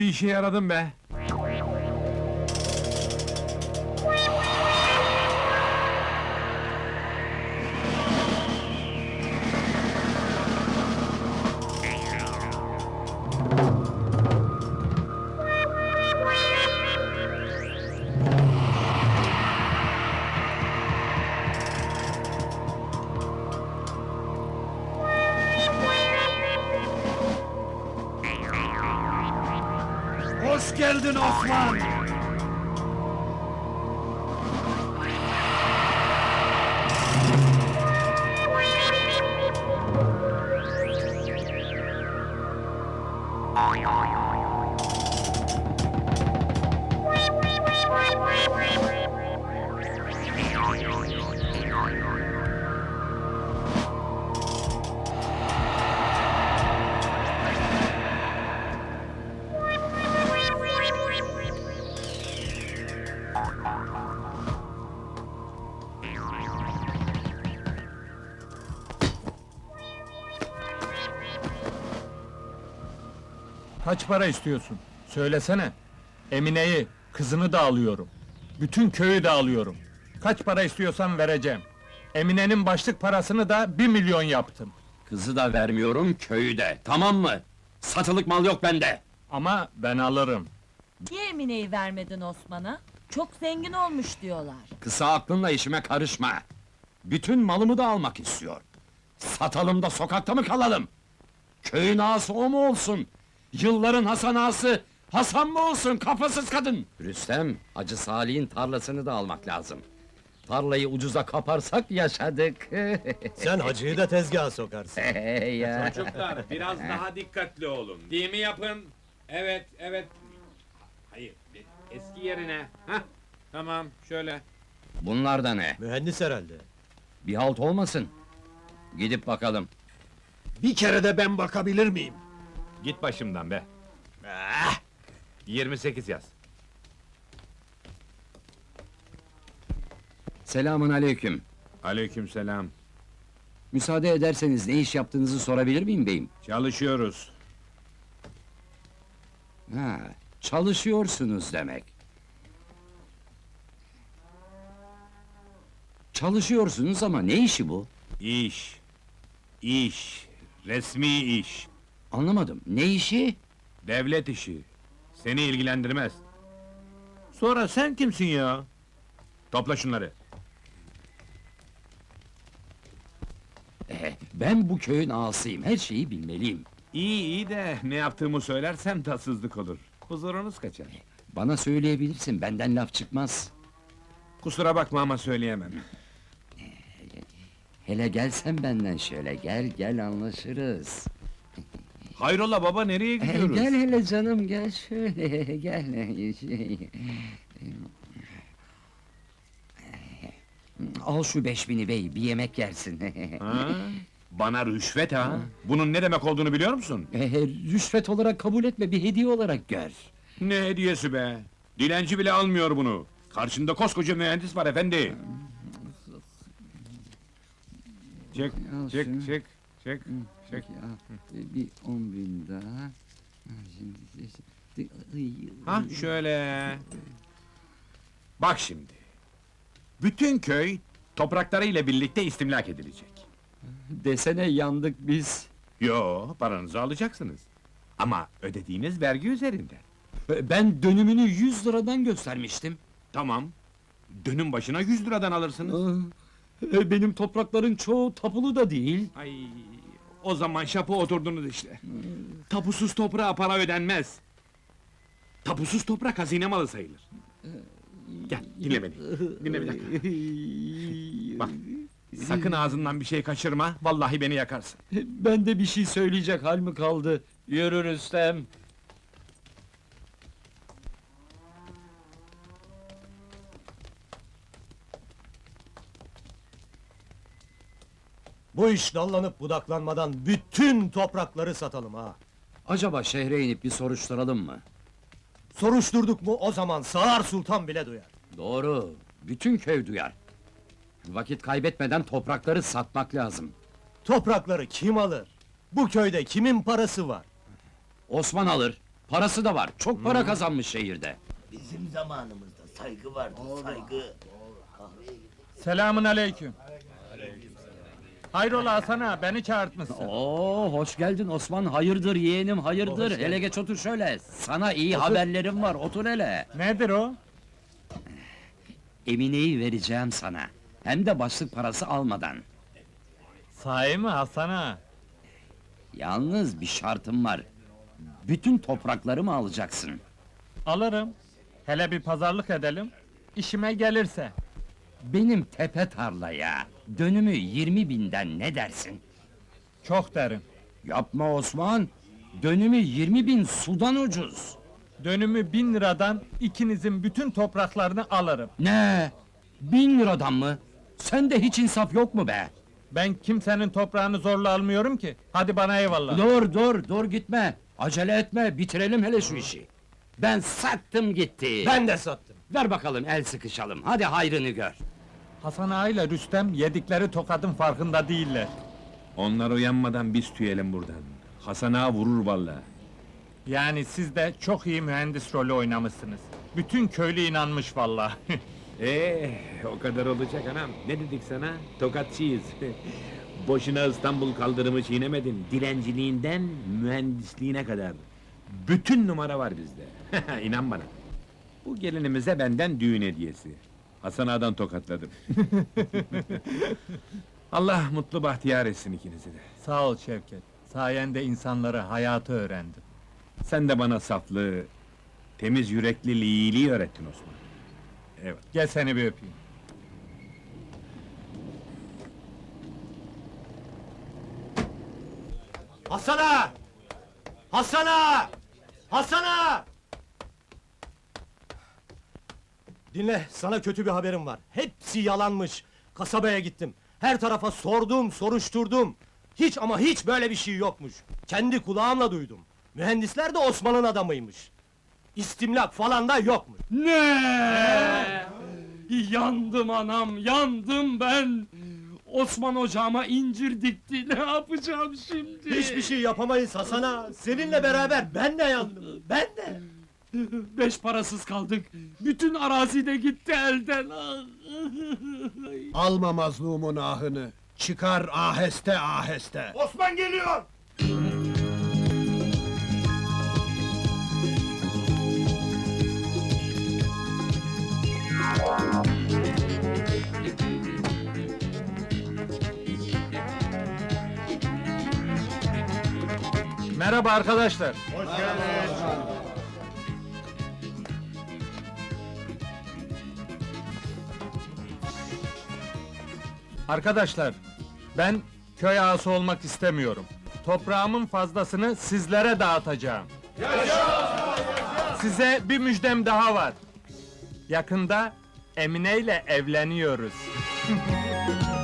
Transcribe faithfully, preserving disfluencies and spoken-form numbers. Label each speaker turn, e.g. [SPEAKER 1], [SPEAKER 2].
[SPEAKER 1] Bir işe yaradım be. Hoş geldin Osman! Kaç para istiyorsun? Söylesene. Emine'yi, kızını da alıyorum. Bütün köyü de alıyorum. Kaç para istiyorsan vereceğim. Emine'nin başlık parasını da bir milyon yaptım.
[SPEAKER 2] Kızı da vermiyorum, köyü de, tamam mı? Satılık mal yok bende!
[SPEAKER 1] Ama ben alırım.
[SPEAKER 3] Niye Emine'yi vermedin Osman'a? Çok zengin olmuş diyorlar.
[SPEAKER 2] Kısa aklınla işime karışma! Bütün malımı da almak istiyor. Satalım da sokakta mı kalalım? Köyün ağası o mu olsun? Yılların Hasan ağası, Hasan mı olsun, kafasız kadın? Rüstem, Hacı Salih'in tarlasını da almak lazım. Tarlayı ucuza kaparsak yaşadık.
[SPEAKER 4] Sen hacıyı da tezgaha sokarsın.
[SPEAKER 2] ya.
[SPEAKER 5] Çocuklar, biraz daha dikkatli olun. Değil mi yapın? Evet, evet. Hayır, eski yerine. Hah, tamam, şöyle.
[SPEAKER 2] Bunlar da ne?
[SPEAKER 4] Mühendis herhalde.
[SPEAKER 2] Bir halt olmasın. Gidip bakalım.
[SPEAKER 1] Bir kere de ben bakabilir miyim?
[SPEAKER 5] Git başımdan be. yirmi sekiz yaz.
[SPEAKER 2] Selamun aleyküm.
[SPEAKER 5] Aleykümselam.
[SPEAKER 2] Müsaade ederseniz ne iş yaptığınızı sorabilir miyim beyim?
[SPEAKER 5] Çalışıyoruz.
[SPEAKER 2] Ha, çalışıyorsunuz demek. Çalışıyorsunuz ama ne işi bu?
[SPEAKER 5] İş. İş. Resmi iş.
[SPEAKER 2] Anlamadım. Ne işi?
[SPEAKER 5] Devlet işi. Seni ilgilendirmez.
[SPEAKER 1] Sonra sen kimsin ya?
[SPEAKER 5] Topla şunları.
[SPEAKER 2] Eh, ben bu köyün ağasıyım. Her şeyi bilmeliyim.
[SPEAKER 5] İyi iyi de ne yaptığımı söylersem tatsızlık olur. Huzurunuz kaçar.
[SPEAKER 2] Bana söyleyebilirsin. Benden laf çıkmaz.
[SPEAKER 5] Kusura bakma ama söyleyemem.
[SPEAKER 2] Hele gelsen benden şöyle. Gel gel anlaşırız.
[SPEAKER 5] Hayrola baba, nereye
[SPEAKER 2] Eh,
[SPEAKER 5] gidiyoruz?
[SPEAKER 2] gel hele canım gel şöyle. Gel. Şey, al şu beş bini bey, bir yemek yersin.
[SPEAKER 5] Ha? Bana rüşvet ha? Bunun ne demek olduğunu biliyor musun?
[SPEAKER 2] Eh, rüşvet olarak kabul etme, bir hediye olarak gör.
[SPEAKER 5] Ne hediyesi be? Dilenci bile almıyor bunu. Karşında koskoca mühendis var efendi. Çek,
[SPEAKER 2] Al
[SPEAKER 5] çek,
[SPEAKER 2] şunu.
[SPEAKER 5] çek, çek, çek.
[SPEAKER 2] Peki, al, bir on bin daha. Ha, Şimdi...
[SPEAKER 5] Ha şöyle. Bak şimdi. Bütün köy topraklarıyla birlikte istimlak edilecek.
[SPEAKER 2] Desene yandık biz.
[SPEAKER 5] Yo, paranızı alacaksınız. Ama ödediğiniz vergi üzerinden.
[SPEAKER 2] Ben dönümünü yüz liradan göstermiştim.
[SPEAKER 5] Tamam. Dönüm başına yüz liradan alırsınız.
[SPEAKER 2] E, Benim toprakların çoğu tapulu da değil.
[SPEAKER 5] Ay, o zaman şapı oturdunuz işte. Tapusuz toprağa para ödenmez. Tapusuz toprak hazine malı sayılır. Gel, dinle beni. Dinle bir dakika. Bak, sakın ağzından bir şey kaçırma, vallahi beni yakarsın.
[SPEAKER 2] Ben de bir şey söyleyecek hal mi kaldı? Yürü Rüstem.
[SPEAKER 4] Bu iş dallanıp budaklanmadan bütün toprakları satalım ha.
[SPEAKER 2] Acaba şehre inip bir soruşturalım mı?
[SPEAKER 4] Soruşturduk mu o zaman Sağır Sultan bile duyar.
[SPEAKER 2] Doğru, bütün köy duyar. Vakit kaybetmeden toprakları satmak lazım.
[SPEAKER 4] Toprakları kim alır? Bu köyde kimin parası var?
[SPEAKER 2] Osman alır, Parası da var, çok para kazanmış şehirde.
[SPEAKER 6] Bizim zamanımızda saygı vardı, saygı.
[SPEAKER 1] Selamun aleyküm. Hayrola Hasan ağa, beni çağırtmışsın.
[SPEAKER 2] Oo, hoş geldin Osman, hayırdır yeğenim, hayırdır. Hele geç otur şöyle, sana iyi haberlerim var, otur hele.
[SPEAKER 1] Nedir o?
[SPEAKER 2] Emine'yi vereceğim sana, hem de başlık parası almadan.
[SPEAKER 1] Sahi mi Hasan ağa?
[SPEAKER 2] Yalnız bir şartım var. Bütün topraklarımı alacaksın.
[SPEAKER 1] Alırım. Hele bir pazarlık edelim. İşime gelirse.
[SPEAKER 2] Benim tepe tarlaya, dönümü yirmi binden ne dersin?
[SPEAKER 1] Çok derim.
[SPEAKER 2] Yapma Osman, dönümü yirmi bin sudan ucuz.
[SPEAKER 1] Dönümü bin liradan ikinizin bütün topraklarını alırım.
[SPEAKER 2] Ne? Bin liradan mı? Sende hiç insaf yok mu be?
[SPEAKER 1] Ben kimsenin toprağını zorla almıyorum ki. Hadi bana eyvallah.
[SPEAKER 2] Dur dur dur gitme. Acele etme, bitirelim hele şu işi. Ben sattım gitti.
[SPEAKER 4] Ben de sattım.
[SPEAKER 2] Ver bakalım el sıkışalım. Hadi hayrını gör.
[SPEAKER 1] Hasan ağa ile Rüstem yedikleri tokadın farkında değiller.
[SPEAKER 5] Onlar uyanmadan biz tüyelim buradan. Hasan ağa vurur vallahi.
[SPEAKER 1] Yani siz de çok iyi mühendis rolü oynamışsınız. Bütün köylü inanmış vallahi.
[SPEAKER 5] Ee, o kadar olacak anam. Ne dedik sana? Tokatçıyız. Boşuna İstanbul kaldırımı çiğnemedin. Dilenciliğinden mühendisliğine kadar. Bütün numara var bizde. İnan bana. Bu gelinimize benden düğün hediyesi. Hasan ağadan tokatladım. Allah mutlu bahtiyar etsin ikinizi de.
[SPEAKER 1] Sağ ol Şevket. Sayende insanları hayatı öğrendim.
[SPEAKER 5] Sen de bana saflığı, temiz yürekli iyiliği öğrettin Osman. Evet.
[SPEAKER 1] Gel seni bir öpeyim.
[SPEAKER 4] Hasan ağa! Hasan ağa! Hasan ağa! Dinle, sana kötü bir haberim var. Hepsi yalanmış. Kasabaya gittim. Her tarafa sordum, soruşturdum. Hiç ama hiç böyle bir şey yokmuş. Kendi kulağımla duydum. Mühendisler de Osman'ın adamıymış. İstimlak falan da yokmuş.
[SPEAKER 2] Ne? Yandım anam, yandım ben. Osman ocağıma incir dikti, ne yapacağım şimdi?
[SPEAKER 4] Hiçbir şey yapamayız Hasan ağa. Seninle beraber ben de yandım. Ben de.
[SPEAKER 2] Beş parasız kaldık. Bütün arazi de gitti elden.
[SPEAKER 7] Alma mazlumun ahını, çıkar aheste aheste.
[SPEAKER 4] Osman geliyor!
[SPEAKER 1] Merhaba arkadaşlar. Arkadaşlar, ben köy ağası olmak istemiyorum. Toprağımın fazlasını sizlere dağıtacağım. Size bir müjdem daha var. Yakında Emine ile evleniyoruz.